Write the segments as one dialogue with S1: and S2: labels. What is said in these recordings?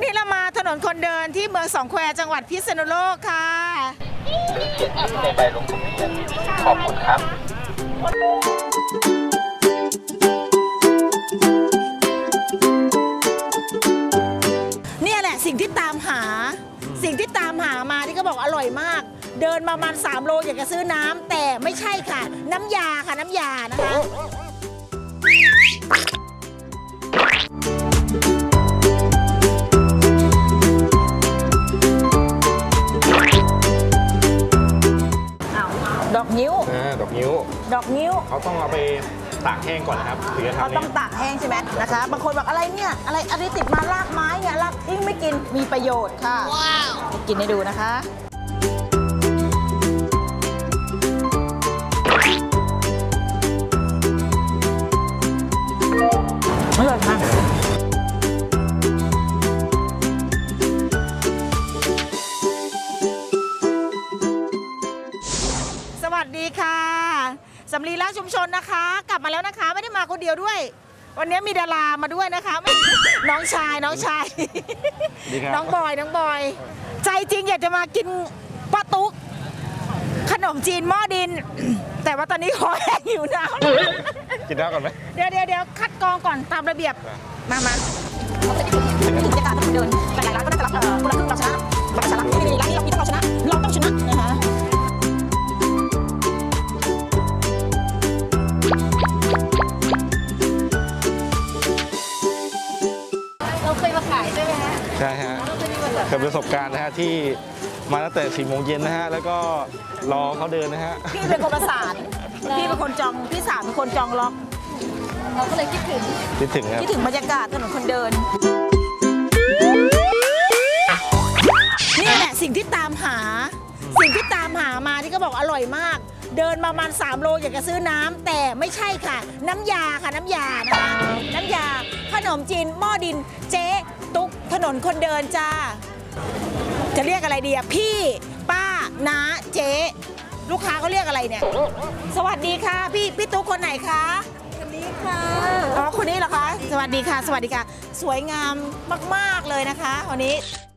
S1: วันนี้เรามาถนนคนเดินที่เมืองสองแควจังหวัดพิษณุโลกค่ะ
S2: หรือเขียนชื่อในใบลงทะเบียนขอบคุณครับ
S1: เนี่ยแหละสิ่งที่ตามหามาที่เขาบอกอร่อยมาก เดินมาประมาณ3 โลอยากจะซื้อน้ำแต่ไม่ใช่ค่ะ น้ำยาค่ะน้ำยานะคะดอกนิ้ว
S3: ดอกนิ้วเขาต้องเอาไปตากแห้งก่อนนะครับถึงจะทำ
S1: เขาต้องตากแห้งใช่ไหมนะคะบางคนบอกอะไรเนี่ยอะไรติดมาลากไม้เนี่ยลากทิ้งไม่กินมีประโยชน์ค่ะว้าวกินให้ดูนะคะอร่อยมากสวัสดีค่ะสำลีร้านชุมชนนะคะกลับมาแล้วนะคะไม่ได้มาคนเดียวด้วยวันนี้มีดารามาด้วยนะคะน้องชายน้องบอยใจจริงอยากจะมากินป้าตุ๊กขนมจีนหม้อดินแต่ว่าตอนนี้ขอแห้งอยู่น้ำ
S3: กินน้ำก่อนไหม
S1: เดี๋ยวคัดกรองก่อนตามระเบียบมาถึงจะการเดินหลายร้านก็น่าจะรับคนละครึ่งเราชนะบัตรชนะที่ร้านนี้เราคิดว่าเราชนะเราต้องชนะนะคะเราเคยมาขายใช่ไหมฮะ
S3: ใช่ฮะเคยประสบการณ์นะฮะที่มาตั้งแต่4 โมงเย็นนะฮะแล้วก็รอเขาเดินนะฮะ
S1: พี่เป็นคนประสานพี่เป็นคนจองพี่สาวเป็นคนจองล็อกเราก็เลยคิดถึงบรรยากาศถนนคนเดินนี่แหละสิ่งที่ตามหามาที่เขาบอกอร่อยมากเดินมาประมาณ3 โลอยากจะซื้อน้ำแต่ไม่ใช่ค่ะน้ำยาค่ะน้ำยานะคะน้ำยาขนมจีนหม้อดินเจ๊ตุ๊กถนนคนเดินจ้าจะเรียกอะไรดีอะพี่ป้าน้าเจ๊ลูกค้าเขาเรียกอะไรเนี่ยสวัสดีค่ะพี่ตุ๊กคนไหนคะคนนี้ค่ะอ๋อคนนี้เหรอคะสวัสดีค่ะสวยงามมากๆเลยนะคะวันนี้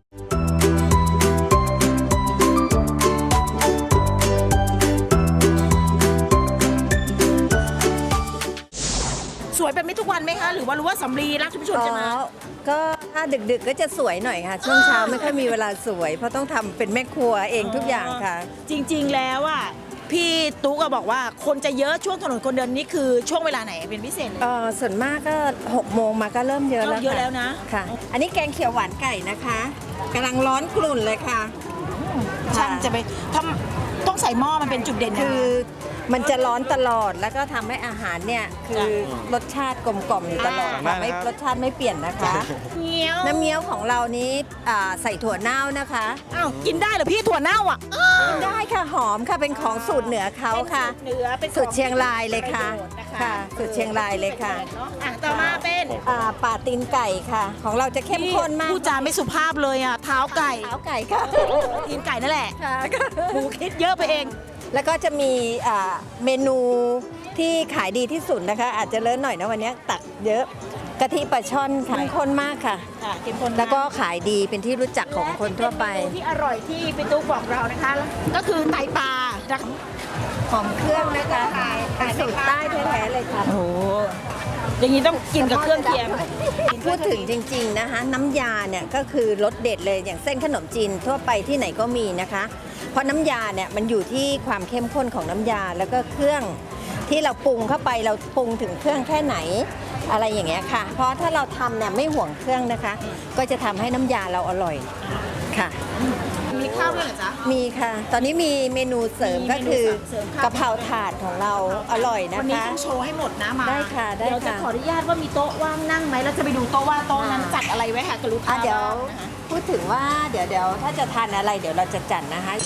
S1: สวยเป็นไม่ทุกวันไหมคะหรือว่ารู้ว่าสำลีรักชุมชนจะมา
S4: ก็ถ้าดึกๆก็จะสวยหน่อยค่ะช่วงเช้าไม่ค่อยมีเวลาสวยเพราะต้องทำเป็นแม่ครัวเองทุกอย่างค่ะ
S1: จริงๆแล้วอ่ะพี่ตุ๊กก็บอกว่าคนจะเยอะช่วงถนนคนเดินนี่คือช่วงเวลาไหนเป็นพิเศษ
S4: ส่วนมากก็6 โมงมาก็เริ่มเยอะแล้ว
S1: นะ
S4: ค่ะอันนี้แกงเขียวหวานไก่นะคะกำลังร้อนกลุ่นเลยค่ะ
S1: ช่างจะไปต้องใส่หม้อมันเป็นจุดเด่น
S4: คือมันจะร้อนตลอดแล้วก็ทำให้อาหารเนี่ยคือรสชาติกลมกล่อมอยู่ตลอดค่ะไม่รสชาติไม่เปลี่ยนนะคะน้ำเงี้ยวของเรานี้ใส่ถั่วเน่านะคะ
S1: อ้าวกินได้เหรอพี่ถั่วเน่าอ่ะ
S4: กินได้ค่ะหอมค่ะเป็นของสูตรเหนือเขาค่ะสูตรเชียงรายเลยค่ะสูตรเชียงรายเลยค่ะ
S1: ต่อมาเป็น
S4: ป่าตีนไก่ค่ะของเราจะเข้มข้นมาก
S1: ผู้จาไม่สุภาพเลยอ่ะเท้าไก่
S4: ค่ะ
S1: ตีนไก่นั่นแหละหมูคิดเยอะไปเอง
S4: แล้วก็จะมีเมนูที่ขายดีที่สุดนะคะอาจจะเลิศหน่อยนะวันนี้ตักเยอะกะทิปลาช่อนค่ะเข้มข้นมากค่ะแล้วก็ขายดีเป็นที่รู้จักของคนทั่วไป
S1: ที่อร่อยที่พี่ตุ๊กบอกเรานะคะก็คือไตปลา
S4: หอมเครื่องนะคะสูตรใต้แท้ๆเลยค่ะ
S1: โอ้อย่างนี้ต้องกินกับเครื่องเคียง
S4: พูดถึงจริงๆนะคะน้ำยาเนี่ยก็คือรสเด็ดเลยอย่างเส้นขนมจีนทั่วไปที่ไหนก็มีนะคะเพราะน้ำยาเนี่ยมันอยู่ที่ความเข้มข้นของน้ำยาแล้วก็เครื่องที่เราปรุงเข้าไปเราปรุงถึงเครื่องแค่ไหนอะไรอย่างเงี้ยค่ะเพราะถ้าเราทำเนี่ยไม่ห่วงเครื่องนะคะก็จะทำให้น้ำยาเราอร่อยค่ะ
S1: มีข้าวด้วยเหรอจ๊ะ
S4: มีค่ะตอนนี้มีเมนูเสริมก็คือกะเพราถาดของเราอร่อยนะคะ
S1: วันนี้ต้องโชว์ให้หมดนะมา
S4: ได้ค่ะ
S1: เดี๋ยวจะขออนุญาตว่ามีโต๊ะว่างนั่งไหมแล้วจะไปดูโต๊ะว่าโต๊ะนั้นจัดอะไรไว้ค่ะกับลูกค้า
S4: เดี๋ยวพูดถึงว่าเดี๋ยวถ้าจะทานอะไรเดี๋ยวเราจะจัดนะคะ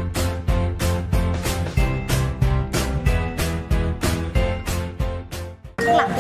S1: หลังที่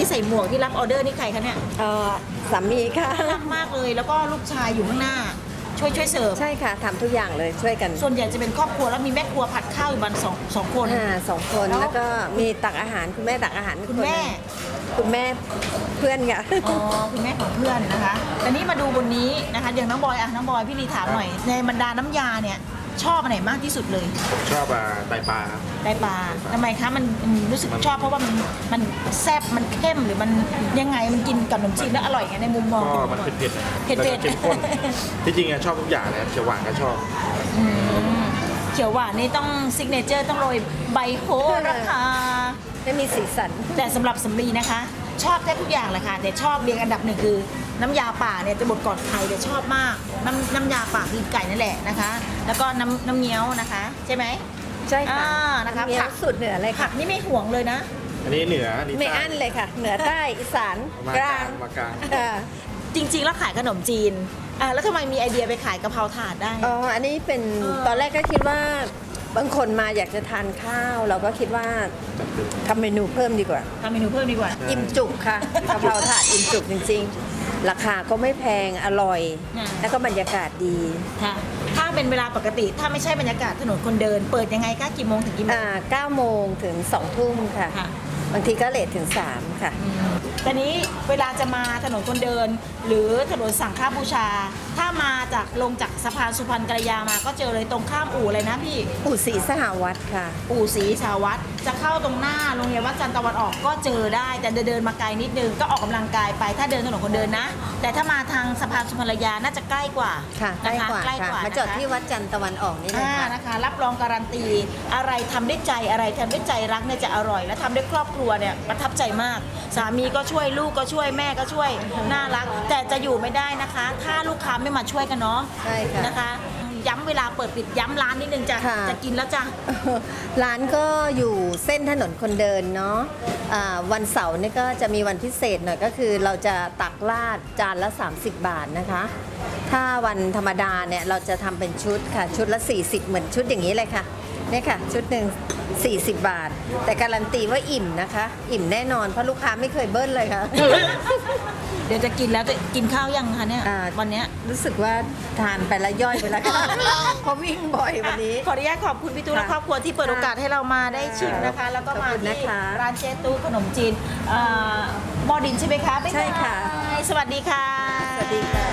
S1: ที่ใส่หมวกที่รับออเดอร์นี่ใครคะเนี่ย
S4: สามีค่ะ
S1: น่ารักมากเลยแล้วก็ลูกชายอยู่ข้างหน้า ช่วยเสิร์ฟ
S4: ใช่ค่ะทำทุกอย่างเลยช่วยกัน
S1: ส่วนใหญ่จะเป็นครอบครัวแล้วมีแม่ครัวผัดข้าวอยู่บ้านสองคน
S4: สองคน
S1: แล้ว
S4: แล้วก็มีตักอาหารคุณแม่ตักอาหาร
S1: คุณแม่
S4: คุณแม่เพื่อนค่ะ
S1: อ๋อคุณแม่ของเพื่อนนะคะแต่นี่มาดูบนนี้นะคะอย่างน้องบอยน้องบอยพี่ลีถามหน่อยในบรรดาน้ำยาเนี่ยชอบอันไหนมากที่สุดเลย
S3: ผมชอบไตปลาครับ
S1: ไตปลาทำไมคะมันรู้สึกชอบเพราะว่ามันแซ่บมันเข้มหรือมันยังไงมันกินกับขนมจีนแล้วอร่อยไงในมุมมอง
S3: ก็มันเผ็ดๆนะ
S1: เผ็ดๆ
S3: แล้วก็เข้มข้นที่จริงอะชอบทุกอย่างเลยเขียวหวานก็ชอบ
S1: เขียวหวานนี่ต้องซิกเนเจอร์ต้องโรยใบโหระพา
S4: ไม่มีสีสัน
S1: แต่สำหรับสำลีนะคะ ชอบแทบทุกอย่างเลยค่ะแต่ชอบเรียงอันดับหนึ่งคือน้ำยาป่าเนี่ยจะบดก่อนใครแต่ชอบมากน้ำยาป่าคือไก่นั่นแหละนะคะ แล้วก็น้ำเงี้ยวนะคะใช่ไหม
S4: ใช่ค่ะ
S1: นะคะ
S4: มี
S1: ผัก
S4: สุดเหนือเลย
S1: ผั
S4: ค่ะ
S1: กนี่ไม่ห่วงเลยนะ
S3: อันนี้เหนืออันนี้
S4: ไม่
S3: ใต้
S4: อั้นเลยค่ะ เหนือใต้อีสาน
S3: มาก
S4: ก
S3: ลา
S4: ลาง ง
S3: มากลาง
S4: ค่ะ
S1: จริงๆแล้วขายขนมจีนแล้วทำไมมีไอเดียไปขายกะเพราถาดได้
S4: อ๋ออันนี้เป็น
S1: เออ
S4: ตอนแรกก็คิดว่าบางคนมาอยากจะทานข้าว เราก็คิดว่าทำเมนูเพิ่มดีกว่า
S1: ทำเมนูเพิ่มดีกว่า
S4: อิ่มจุกค่ะกะเพราถาดอิ่มจุกจริงๆ ราคาก็ไม่แพงอร่อย แล้วก็บรรยากาศดี
S1: ค่ะถ้าเป็นเวลาปกติถ้าไม่ใช่บรรยากาศถนนคนเดิน เปิดยังไงคะกี่โมงถึงกี่โมง
S4: 9 โมงถึง 2 ทุ่มค่ะ
S1: ค่ะ
S4: บางทีก็เลทถึง 3 ค่ะ
S1: แต่นี้เวลาจะมาถนนคนเดิน หรือถนนสังฆบูชา ถ้ามาจากลงจากสะพานสุพรรณกัลยามาก็เจอเลยตรงข้ามอู่เลยนะพี่
S4: อู่ศรีสหวัฒน์ค่ะ
S1: อู่ศรีสาวัตรจะเข้าตรงหน้าโรงเรียนวัดจันทร์ตะวันออกก็เจอได้แต่เดินมาไกลนิดนึงก็ออกกำลังกายไปถ้าเดินถนนคนเดินนะ แต่ถ้ามาทางสะพานสุพรรณกัลยาน่าจะใกล้กว่า
S4: ค่ะใกล้
S1: นะคะ
S4: กว่า
S1: ใกล้
S4: ค่ะ
S1: กว่า
S4: มาจอด
S1: นะคะ
S4: ที่วัดจันทร์ตะวันออกนี่เลยค่ะ
S1: นะคะรับรองการันตีอะไรทำด้วยใจอะไรทำด้วยใจรักเนี่ยจะอร่อย และทำด้วยครอบครัวเนี่ยประทับใจมาก สามีก็ช่วยลูกก็ช่วยแม่ก็ช่วยน่ารัก แต่จะอยู่ไม่ได้นะคะ ถ้าลูกค้าไม่มาช่วยกันเนาะ
S4: ใช่ค่ะ
S1: นะคะ ย้ำเวลาเปิดปิดย้ำร้านนิดนึงจะ
S4: ค่ะ
S1: จะกินแล้วจ้ะ
S4: ร้านก็อยู่เส้นถนนคนเดินเนาะวันเสาร์นี่ก็จะมีวันพิเศษหน่อยก็คือเราจะตักราดจานละ 30 บาทนะคะ ถ้าวันธรรมดาเนี่ยเราจะทำเป็นชุดค่ะชุดละ 40 เหมือนชุดอย่างนี้เลยค่ะเนี่ยค่ะชุดหนึ่ง40 บาท แต่การันตีว่าอิ่มนะคะ อิ่มแน่นอนเพราะลูกค้าไม่เคยเบิ้ลเลยค่ะ
S1: เดี๋ยวจะกินแล้วจะกินข้าวยังคะเนี่ยวันเนี้ย
S4: รู้สึกว่าทานไปแล้วย่อยไปแล้วค่ะเพราะวิ่งบ่อยวันนี้
S1: ขออนุญาตขอบคุณพี่ตู้และ
S4: ค่ะ
S1: ครอบครัวที่เปิดโอกาสให้เรามาได้ชิมนะคะ แล้วก็มา
S4: ขอบคุณ
S1: ที่
S4: นะคะ
S1: ร้านเจตู้ขนมจีนหม้อดินใช่ไหมคะบ๊ายบาย
S4: ใช่ค่ะ
S1: สวัสดีค่ะ
S4: สวัสดีค่ะ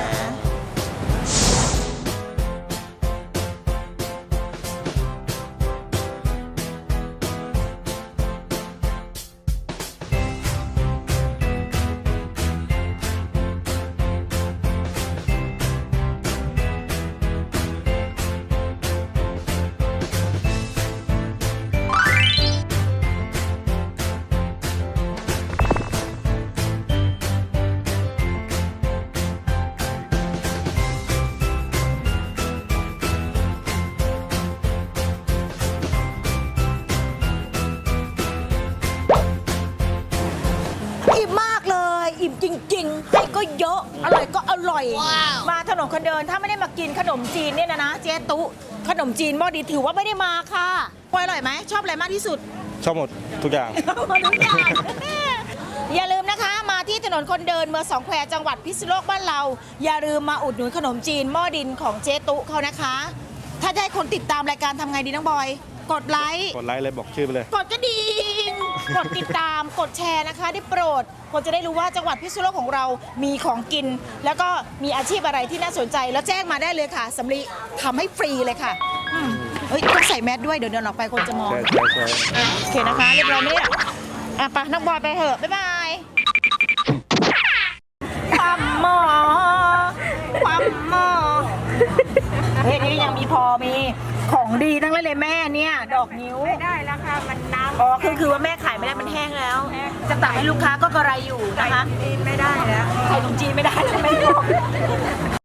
S1: อิ่มมากเลย อิ่มจริงๆให้ก็เยอะ อร่อยก็อร่อย มาถนนคนเดินถ้าไม่ได้มากินขนมจีนเนี่ยนะเจ๊ตุขนมจีนหม้อดินถือว่าไม่ได้มาค่ะปอยอร่อยไหมชอบอะไรมากที่สุด
S3: ชอบหมดทุกอย่าง
S1: มาทุกอย่าง อย่าลืมนะคะมาที่ถนนคนเดินเมืองสองแควจังหวัดพิษณุโลกบ้านเรา อย่าลืมมาอุดหนุนขนมจีนหม้อดินของเจ๊ตุเขานะคะ ถ้าจะให้คนติดตามรายการทำไงดีน้องบอย กดไลค์
S3: กดไลค์เลยบอกชื่อไปเลย
S1: กดกระดิ่ง กดติดตาม กดแชร์นะคะได้โปรดคนจะได้รู้ว่าจังหวัดพิษณุโลกของเรามีของกิน แล้วก็มีอาชีพอะไรที่น่าสนใจ แล้วแจ้งมาได้เลยค่ะสำลีทำให้ฟรีเลยค่ะเฮ้ยต้องใส่แมสด้วยเดี๋ยวเดินออกไปคนจะมอง
S3: ใช่ใช่ใช่
S1: โอเคนะคะเรียบร้อยไหมเนี่ยไปน้องบอยไปเถอะ บ๊ายบายความหมอความหมอเฮ้ยนี่ยังมีพอมีของดีทั้งนั้นเลยแม่เนี่ยดอกนิ้วไม่ได้แล้วค่ะมันน้ำอ๋อคือว่าแม่ขายไม่ได้มันแห้งแล้ว จะตักให้ลูกค้าก็กระไรอยู่นะคะไม่ได้แล้วขายขนมจีนไม่ได้แล้วไม่บอก